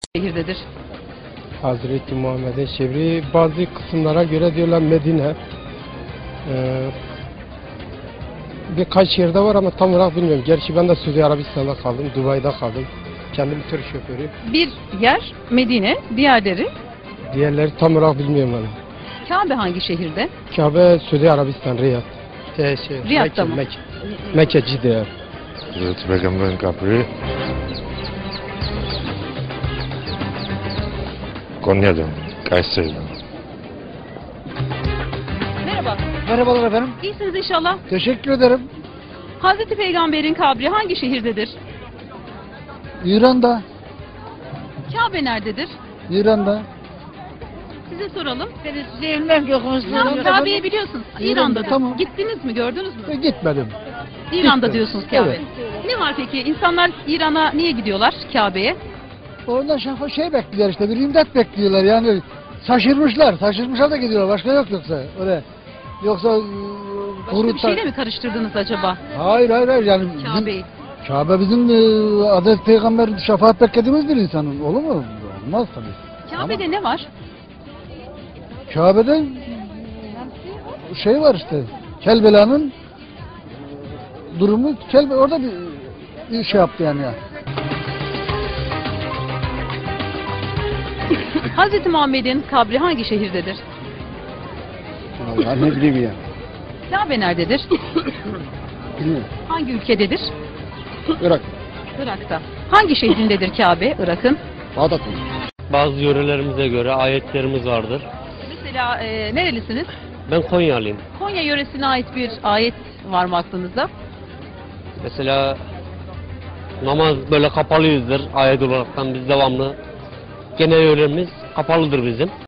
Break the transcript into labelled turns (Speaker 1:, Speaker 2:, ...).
Speaker 1: şehirdedir?
Speaker 2: Hazreti Muhammed'in şehri, bazı kısımlara göre diyorlar Medine. Birkaç yerde var ama tam olarak bilmiyorum. Gerçi ben de Suudi Arabistan'da kaldım, Dubai'de kaldım. Kendim tır şoförü.
Speaker 1: Bir yer Medine, diğerleri
Speaker 2: Diğerleri tam olarak bilmiyorum ben.
Speaker 1: Kabe hangi şehirde?
Speaker 2: Kabe, Suudi Arabistan, Riyad.
Speaker 1: Riyad'da mı?
Speaker 2: Mekke, Cide.
Speaker 3: Hazreti Peygamber'in kabri Konya'da, Kayseri'de.
Speaker 1: Merhaba.
Speaker 4: Merhabalar efendim.
Speaker 1: İyisiniz inşallah.
Speaker 4: Teşekkür ederim.
Speaker 1: Hazreti Peygamber'in kabri hangi şehirdedir?
Speaker 4: İran'da.
Speaker 1: Kabe nerededir?
Speaker 4: İran'da.
Speaker 1: Size soralım.
Speaker 4: Bilmem ki okumuşsunuz.
Speaker 1: Kabe'yi biliyorsunuz. İran'dadır.
Speaker 4: tamam.
Speaker 1: Gittiniz mi? Gördünüz mü?
Speaker 4: Gitmedim.
Speaker 1: İran'da
Speaker 4: gitmedim.
Speaker 1: diyorsunuz Kabe.
Speaker 4: Evet.
Speaker 1: Ne var peki? İnsanlar İran'a niye gidiyorlar Kabe'ye?
Speaker 4: Oradan şey bekliyorlar işte, bir imdat bekliyorlar yani. Şaşırmışlar da gidiyorlar, başka yok yoksa oraya. Yoksa
Speaker 1: Başka bir şeyle mi karıştırdınız acaba
Speaker 4: Hayır yani bizim,
Speaker 1: Kabe'yi?
Speaker 4: Kabe bizim Hazreti Peygamber şefaat beklediğimiz bir insanın, olur mu? Olmaz tabii.
Speaker 1: Kabe'de ne var?
Speaker 4: Kabe'de şey var işte, Kelbela'nın durumu, orada bir şey yaptı yani ya.
Speaker 1: Hazreti Muhammed'in kabri hangi şehirdedir?
Speaker 4: Vallahi ne bileyim ya.
Speaker 1: Kabe nerededir?
Speaker 4: Bilmiyorum.
Speaker 1: Hangi ülkededir?
Speaker 4: Irak.
Speaker 1: Irak'ta. Hangi şehrindedir Kabe, Irak'ın?
Speaker 4: Bağdat.
Speaker 5: Bazı yörelerimize göre ayetlerimiz vardır.
Speaker 1: Mesela nerelisiniz?
Speaker 5: Ben Konyalıyım.
Speaker 1: Konya yöresine ait bir ayet var mı aklınızda?
Speaker 5: Mesela namaz böyle kapalıyızdır ayet olaraktan biz devamlı. Genel yöremiz kapalıdır bizim.